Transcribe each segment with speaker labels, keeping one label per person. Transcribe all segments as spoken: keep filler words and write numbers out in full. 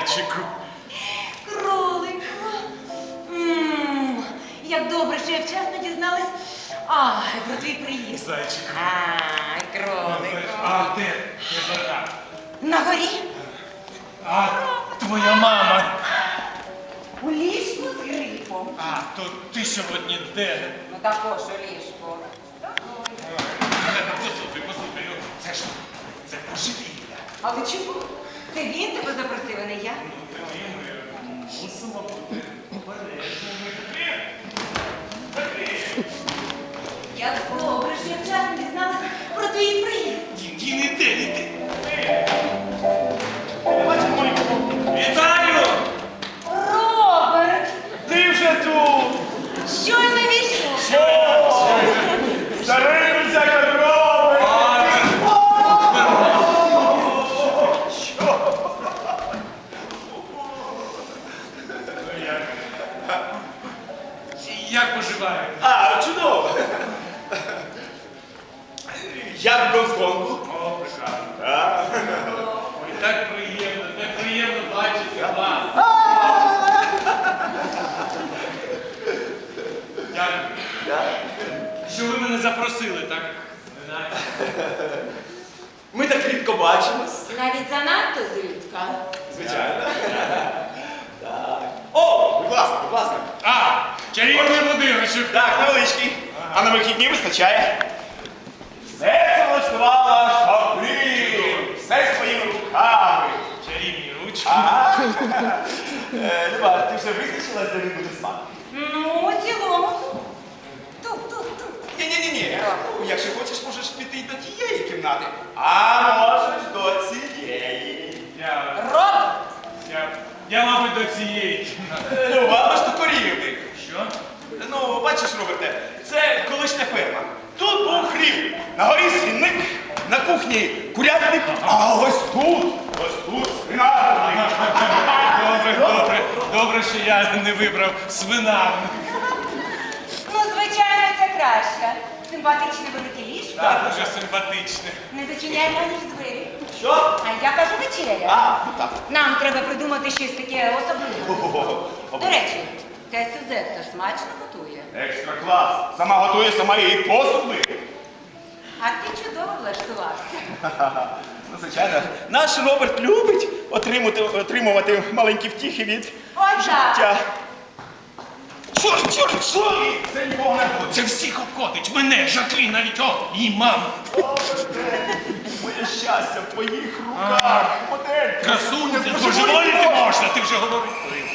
Speaker 1: Зайчику.
Speaker 2: Кролику. М, Як добре, що я вчасно дізналась. Ай, про твій приїзд.
Speaker 1: Зайчику.
Speaker 2: Ай, кролику.
Speaker 1: А де? Де така?
Speaker 2: На горі?
Speaker 1: А твоя мама.
Speaker 2: У ліжку з грипом.
Speaker 1: А, то ти сьогодні де?
Speaker 2: Ну також у ліжку.
Speaker 1: Послухай, послухай, ну, це ж, це божевілля.
Speaker 2: Але чому? Це він тебе запросив, а не я?
Speaker 1: Ну, тоді ми мусимо бути обережними. Закрий.
Speaker 2: Як добре, що я вчасно дізналась про твій приїзд.
Speaker 1: Тільки не йди, не йди. Вітаю!
Speaker 2: Роберт!
Speaker 3: Ти вже тут!
Speaker 2: Щойно війшов.
Speaker 3: Що? Старий друзяка робить!
Speaker 1: Як поживаєте?
Speaker 3: А, чудово! Як в Гонконгу?
Speaker 1: О, прекрасно.
Speaker 3: Так.
Speaker 1: Ой, так приємно, так приємно бачити вас. Дякую. Що ви мене запросили, так? Не знаю.
Speaker 3: Ми так рідко бачимось.
Speaker 2: Навіть занадто зрідка.
Speaker 3: Звичайно. Так. О, будь ласка, будь ласка.
Speaker 1: А, чарівний будиночок.
Speaker 3: Так, невеличкий. А на вихідні вистачає. Все це влаштувала Шаплін. Все своїми руками.
Speaker 1: Чарівні ручки.
Speaker 3: Ага. Е, Люба, ти вже визначилась, де він буде спати?
Speaker 2: Ну, у цілому. Тут, тут, тут.
Speaker 3: Ні-ні-ні. Ну, якщо хочеш, можеш піти й до тієї кімнати. А можеш до цієї.
Speaker 1: Я,
Speaker 2: Роб!
Speaker 1: я, я, мабуть, до цієї кімнати.
Speaker 3: Е, Люба, аж до корівник.
Speaker 1: Що?
Speaker 3: Ну, бачиш, Роберте, це колишня ферма. Тут був хлів, на горі свинник, на кухні курятник, а ось тут, ось тут свинарник.
Speaker 1: Добре, добре, добре, що я не вибрав свинарник.
Speaker 2: Ну, звичайно, це краще. Симпатичне велике ліжко.
Speaker 1: Так, дуже симпатичне.
Speaker 2: Не зачиняй на ніж двері.
Speaker 3: Що?
Speaker 2: А я кажу вечеря.
Speaker 3: А, ну так.
Speaker 2: Нам треба придумати щось таке особливе.
Speaker 3: Ого.
Speaker 2: До речі, ця Сюзетта смачно готує.
Speaker 3: Екстра клас. Сама готує, сама її посуд миє.
Speaker 2: А ти чудово влаштувався.
Speaker 3: Ну, звичайно, наш Роберт любить отримувати, отримувати маленькі втіхи від
Speaker 2: Отак.
Speaker 3: життя. Чорт, чорт, чорт! Це нікого не буде.
Speaker 1: Це всіх обходить. Мене, Жаклін, навіть о, і маму.
Speaker 3: Моє щастя в твоїх руках. Модель.
Speaker 1: Красуня,
Speaker 3: Красуня,
Speaker 1: божеволіти можна, ти вже говорив.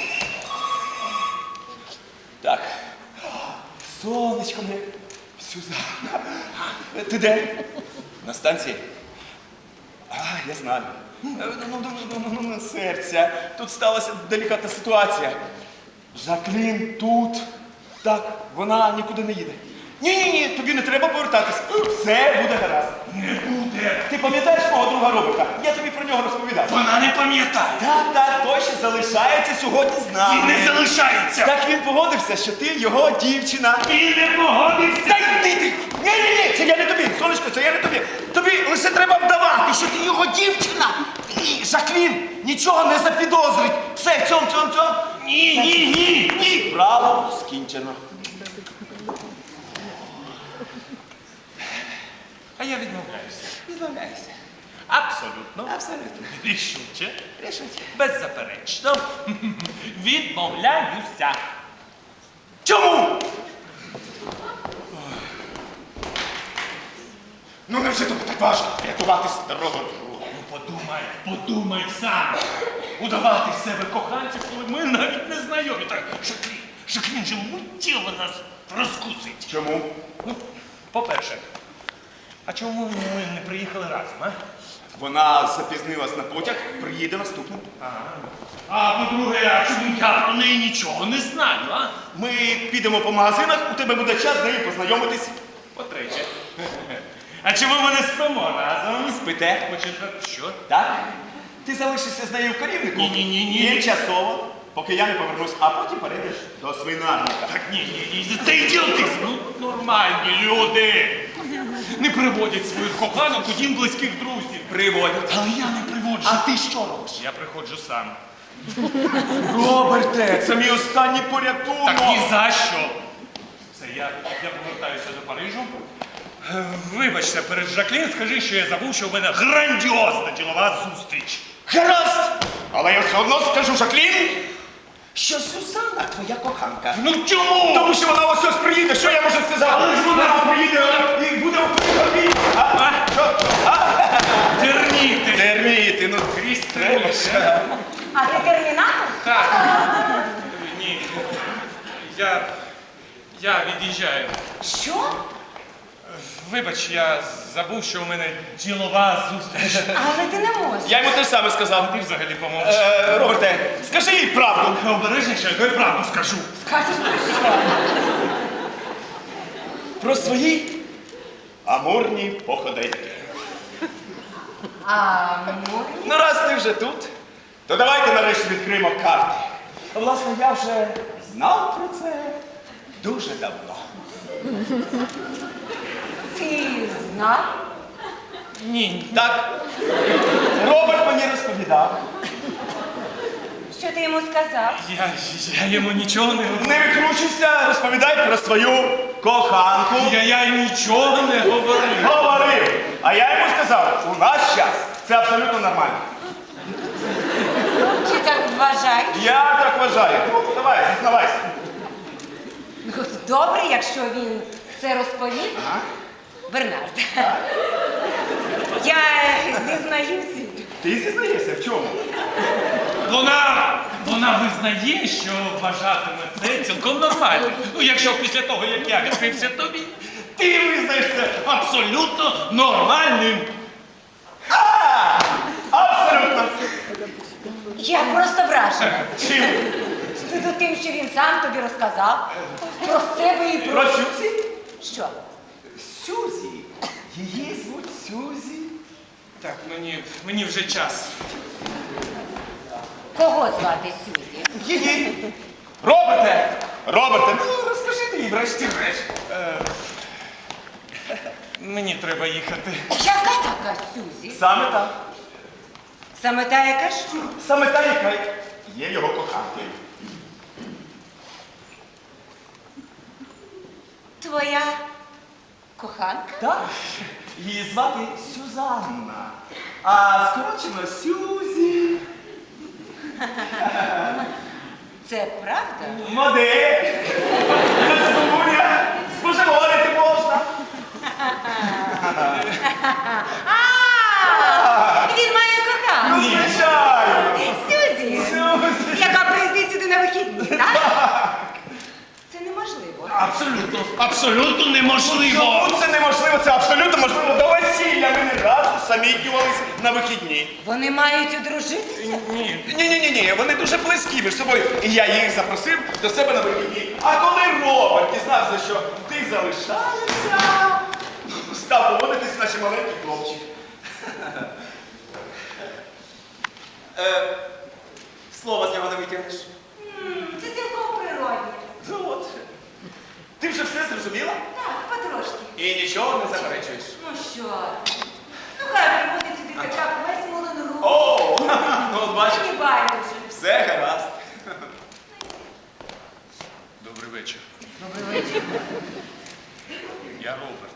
Speaker 3: Так. Сонечко моє. Сюзанна. Ти де? На станції? А, я знаю. Ну, ну, ну, ну, ну, ну, серця. Тут сталася делікатна ситуація. Жаклін тут. Так, вона нікуди не їде. Ні-ні-ні, тобі не треба повертатись. Все буде гаразд.
Speaker 1: Не буде.
Speaker 3: Ти пам'ятаєш мого друга Роберта? Я тобі про нього розповідав.
Speaker 1: Вона не пам'ятає.
Speaker 3: Так, так, той ще залишається сьогодні з нами.
Speaker 1: Він не залишається.
Speaker 3: Так він погодився, що ти його дівчина.
Speaker 1: Він не погодився.
Speaker 3: Та йди ти! Ні-ні-ні, це я не тобі, сонечко, це я не тобі. Тобі лише треба вдавати, що ти його дівчина. І Жаклін нічого не запідозрить. Все, цьом, цьом, цьом.
Speaker 1: Ні, ні, ні, ні.
Speaker 3: Право скінчено.
Speaker 1: А я відмовляюся.
Speaker 3: Відмовляйся.
Speaker 1: Абсолютно.
Speaker 3: Абсолютно.
Speaker 1: Рішуче.
Speaker 3: Рішить.
Speaker 1: Беззаперечно. Відмовляюся.
Speaker 3: Чому? Ну невже тобі так важко рятувати старого друга?
Speaker 1: Ну подумай, подумай сам. Удавати з себе коханців, коли ми навіть не знайомі. Так, Жаклін, Жаклін же миттєво нас розкусить.
Speaker 3: Чому?
Speaker 1: Ну, по-перше, а чому ми не приїхали разом, а?
Speaker 3: Вона запізнилась на потяг, приїде наступним.
Speaker 1: Ага. А по-друге, а чому я про неї нічого не знаю, а?
Speaker 3: Ми підемо по магазинах, у тебе буде час з нею познайомитись.
Speaker 1: По-третє. А чому ми не спимо разом?
Speaker 3: Спите.
Speaker 1: По-четверте, що?
Speaker 3: Так? Ти залишишся з нею в корівнику?
Speaker 1: Ні-ні-ні-ні.
Speaker 3: Тимчасово, поки я не повернусь, а потім перейдеш до свинарника.
Speaker 1: Так ні, ні, ні, це ідіотизм. Ну, нормальні люди. Не приводять своїх коханок у дім близьких друзів.
Speaker 3: Приводять.
Speaker 1: Але я не приводжу.
Speaker 3: А ти що робиш?
Speaker 1: Я приходжу сам.
Speaker 3: Роберте, це мій останній порятунок.
Speaker 1: Так ні за що. Все, я, я повертаюся до Парижу. Е, Вибачте, перед Жаклін скажи, що я забув, що в мене грандіозна ділова зустріч.
Speaker 3: Гаразд! Але я все одно скажу Жаклін, що Сюзанна твоя коханка.
Speaker 1: Ну чому?
Speaker 3: Тому що вона ось ось приїде, що я можу сказати? Але ж вона приїде і буде в Парижі. А? А? Що? А?
Speaker 1: Терміти.
Speaker 3: Терміти, ну крізь треба ж.
Speaker 2: А ти термінатор?
Speaker 1: Так. Ні. Я. Я від'їжджаю.
Speaker 2: Що?
Speaker 1: Вибач, я забув, що у мене ділова зустріч.
Speaker 2: Але ти не можеш.
Speaker 3: Я йому те ж саме сказав.
Speaker 1: Ти взагалі помовчи.
Speaker 3: Е, Роберте, скажи їй правду.
Speaker 1: Обережніше, то я правду скажу.
Speaker 2: Скажеш про що?
Speaker 3: Про свої амурні походеньки.
Speaker 2: А, ну,
Speaker 3: Ну, раз ти вже тут, то давайте нарешті відкриємо карти. Власне, я вже знав про це дуже давно.
Speaker 2: ти знав?
Speaker 1: Ні.
Speaker 3: Так, Роберт мені розповідав.
Speaker 2: Що ти йому сказав?
Speaker 1: Я, я йому нічого не говорю.
Speaker 3: Не викручуйся, розповідай про свою коханку.
Speaker 1: Я, я нічого не говорив.
Speaker 3: Говорив. А я йому сказав, у наш час це абсолютно нормально.
Speaker 2: Чи так вважаєш?
Speaker 3: Я так вважаю. Ну, давай, зізнавайся.
Speaker 2: Ну, добре, якщо він це розповів.
Speaker 3: Ага.
Speaker 2: Бернард. Я зізнаюся.
Speaker 3: Ти зізнаєшся в чому?
Speaker 1: Вона, вона визнає, що вважатиме це цілком нормально. Ну, якщо після того, як я відкрився тобі, ти визнаєш це абсолютно нормальним.
Speaker 3: А! Абсолютно.
Speaker 2: Я просто вражена.
Speaker 3: Чим?
Speaker 2: Ну, тим, що він сам тобі розказав про себе і про...
Speaker 3: Про Сюзі?
Speaker 2: Що?
Speaker 3: Сюзі. Її звуть Сюзі.
Speaker 1: Так, мені, мені вже час.
Speaker 2: Кого звати Сюзі?
Speaker 3: Її. Роберте! Роберте, ну розкажи ти їй врешті-решт.
Speaker 1: Е, мені треба їхати.
Speaker 2: Яка така Сюзі?
Speaker 3: Саме так.
Speaker 2: Саме та, яка що?
Speaker 3: Саме та, яка є його коханкою.
Speaker 2: Твоя коханка?
Speaker 3: Так. Її звати Сюзанна. А скорочено Сюзі.
Speaker 2: Це правда?
Speaker 3: Модель. Красуня. Споживати можна.
Speaker 2: А, він має
Speaker 3: Ну,
Speaker 2: коханку.
Speaker 3: звичайно.
Speaker 2: Сюзі,
Speaker 3: Сюзі.
Speaker 2: яка приїздить сюди на вихідні, так? Це неможливо.
Speaker 1: Абсолютно, абсолютно неможливо.
Speaker 3: Чому це неможливо? Це абсолютно можливо. До весілля ми не разу самітнювались на вихідні.
Speaker 2: Вони мають одружитися?
Speaker 1: Ні.
Speaker 3: Ні-ні-ні, вони дуже близькі між собою. І я їх запросив до себе на вихідні. А коли Роберт дізнався, що ти залишаєшся, став поводитись наші маленький хлопчик. Е, Слова з нього не витягнеш.
Speaker 2: М, Це цілком природне.
Speaker 3: Ну от. Ти вже все зрозуміла?
Speaker 2: Так, потрошки.
Speaker 3: І нічого не заперечуєш.
Speaker 2: Ну що? Ну хай приводить сюди хоча б весь Мулен Руж.
Speaker 3: О, ну от бачиш,
Speaker 2: Мені байдуже.
Speaker 3: все гаразд.
Speaker 1: Добрий вечір.
Speaker 2: Добрий вечір.
Speaker 1: Я Роберт.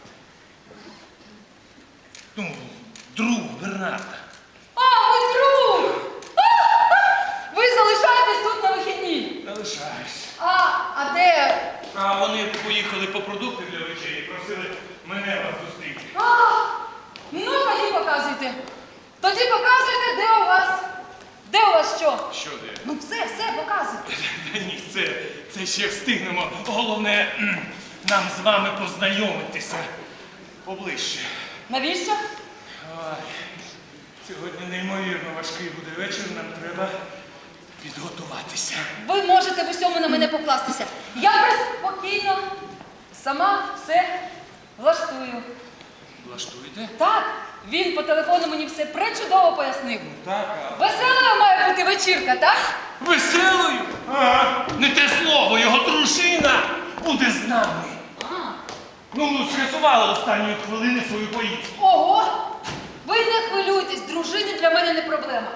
Speaker 1: Ну, друг Бернарда.
Speaker 4: А, ви друг! А! Ви залишаєтесь тут на вихідні.
Speaker 1: Залишаюсь.
Speaker 4: А, а де?
Speaker 1: А вони поїхали по продукти для вечері і просили мене вас зустріти.
Speaker 4: А, ну тоді показуйте. Тоді показуйте, де у вас. Де у вас що?
Speaker 1: Що де?
Speaker 4: Ну все, все, показуйте.
Speaker 1: Та ні, це, це ще встигнемо. Головне, м, нам з вами познайомитися поближче.
Speaker 4: Навіщо?
Speaker 1: Ой, сьогодні неймовірно важкий буде вечір, нам треба підготуватися.
Speaker 4: Ви можете в усьому на мене покластися. Я спокійно сама все влаштую.
Speaker 1: Влаштуєте?
Speaker 4: Так, він по телефону мені все пречудово пояснив.
Speaker 1: Так, а
Speaker 4: Веселою має бути вечірка, так?
Speaker 1: веселою? Ага. Не те слово, його дружина буде з нами.
Speaker 4: А.
Speaker 1: Ну, скасувала останньої хвилини свою поїздку.
Speaker 4: Ого! Ви не хвилюйтесь, дружини для мене не проблема.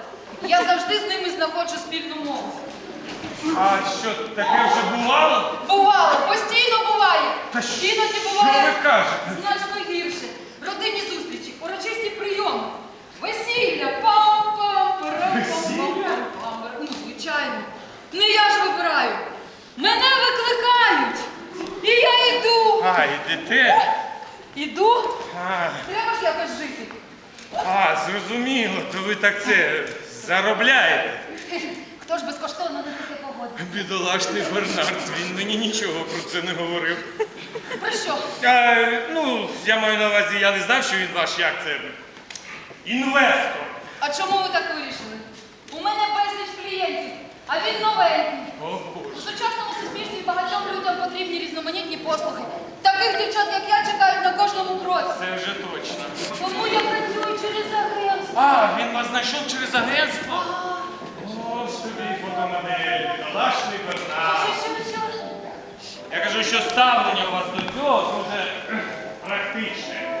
Speaker 4: Я завжди з ними знаходжу спільну мову.
Speaker 1: А що, таке вже бувало?
Speaker 4: Бувало, постійно буває.
Speaker 1: Та що
Speaker 4: Іноді
Speaker 1: ви
Speaker 4: буває
Speaker 1: кажете?
Speaker 4: значно гірше. Родинні зустрічі, урочисті прийоми, весілля, пам-пам, пам-пам-пам. Ну, звичайно. Не я ж вибираю. Мене викликають. І я йду.
Speaker 1: А, ідете?
Speaker 4: Іду.
Speaker 1: А,
Speaker 4: Треба ж якось жити.
Speaker 1: а, зрозуміло, то ви так це заробляєте.
Speaker 4: Хто ж безкоштовно на таке погодить?
Speaker 1: Бідолашний Бернард, він мені нічого про це не говорив.
Speaker 4: Про що?
Speaker 1: А, ну, я маю на увазі, я не знав, що він ваш, як це, інвестор.
Speaker 4: А чому ви так вирішили? У мене безліч клієнтів, а він новенький.
Speaker 1: О,
Speaker 4: У
Speaker 1: Боже.
Speaker 4: сучасному суспільстві багатьом людям потрібні різноманітні послуги. Таких дівчат, як я, чекають на кожному кроці.
Speaker 1: Це вже точно.
Speaker 4: Тому я працюю через агентство.
Speaker 1: А, він вас знайшов через агентство? О, собі фотомодель, бідолашний Бернард.
Speaker 4: Що, що, що?
Speaker 1: Я кажу, що ставлення у вас до цього дуже практичне.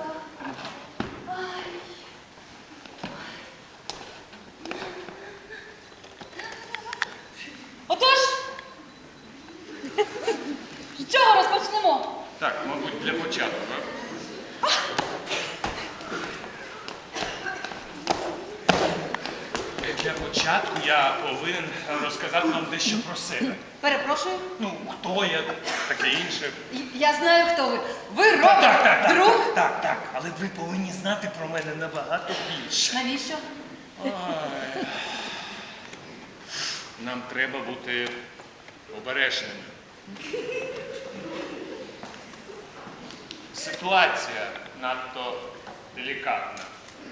Speaker 4: Отож, з чого розпочнемо?
Speaker 1: Так, мабуть, для початку, так? Для початку я повинен розказати вам дещо про себе.
Speaker 4: Перепрошую.
Speaker 1: Ну, хто я, таке інше.
Speaker 4: Я знаю, хто ви. Ви
Speaker 1: Так,
Speaker 4: Роберт,
Speaker 1: так, так,
Speaker 4: друг?
Speaker 1: так, так, так. Але ви повинні знати про мене набагато більше.
Speaker 4: Навіщо?
Speaker 1: Ой. Нам треба бути обережними. Ситуація надто делікатна.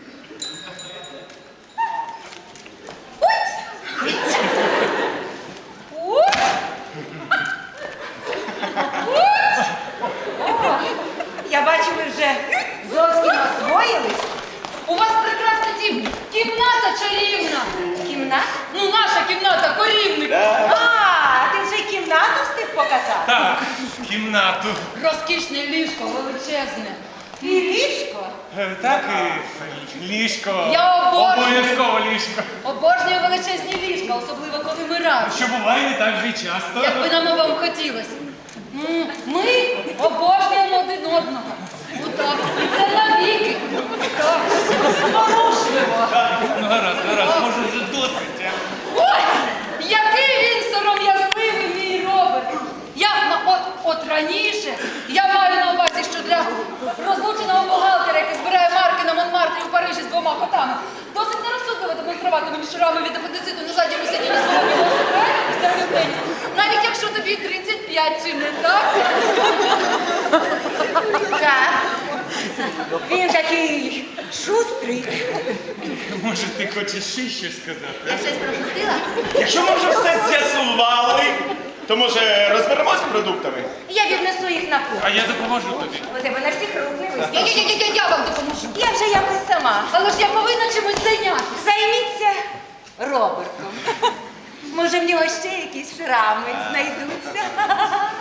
Speaker 4: Ух!
Speaker 2: Я бачу, ви вже зовсім освоїлись.
Speaker 4: У вас прекрасна дім. Кімната чарівна.
Speaker 2: Кімната?
Speaker 4: Ну, наша кімната, корівник.
Speaker 2: А, ти вже й кімнату встиг показати?
Speaker 1: Так, кімнату.
Speaker 4: Розкішне ліжко, величезне.
Speaker 2: І ліжко.
Speaker 1: Е, Так, і ліжко.
Speaker 4: Я обожнюю.
Speaker 1: Обов'язково ліжко.
Speaker 4: Обожнюю величезні ліжка, особливо коли ми разом.
Speaker 1: Що буває не так вже й часто.
Speaker 4: Якби нам вам хотілося. М, Ми обожнюємо один одного. Отак. І це навіки. Так. Зворушливо.
Speaker 1: Ну, гаразд, гаразд, може вже досить. а?
Speaker 4: Ой, який він сором'язливий, мій Роберт. Я, на- от, от раніше, я маю на увазі, що для розлученого бухгалтера, який збирає марки на Монмартрі у Парижі з двома котами, досить нерозсудливо демонструвати мені шрами від апендициту на задньому сидінні свого велосипеда після теніс. Навіть якщо тобі тридцять п'ять, чи не так?
Speaker 2: Так. Він такий шустрий.
Speaker 1: Може, ти хочеш ще щось сказати?
Speaker 2: Я щось пропустила?
Speaker 3: Якщо ми вже все з'ясували, то може розберемось з продуктами?
Speaker 2: Я віднесу їх на кухню.
Speaker 1: А я допоможу тобі.
Speaker 2: У тебе на всіх рук не
Speaker 4: Я,
Speaker 2: вистачить.
Speaker 4: я, я, я, я вам допоможу.
Speaker 2: Я вже якось сама.
Speaker 4: Але ж я повинна чимось зайнятися.
Speaker 2: Займіться Робертом. Може, в нього ще якісь шрами знайдуться.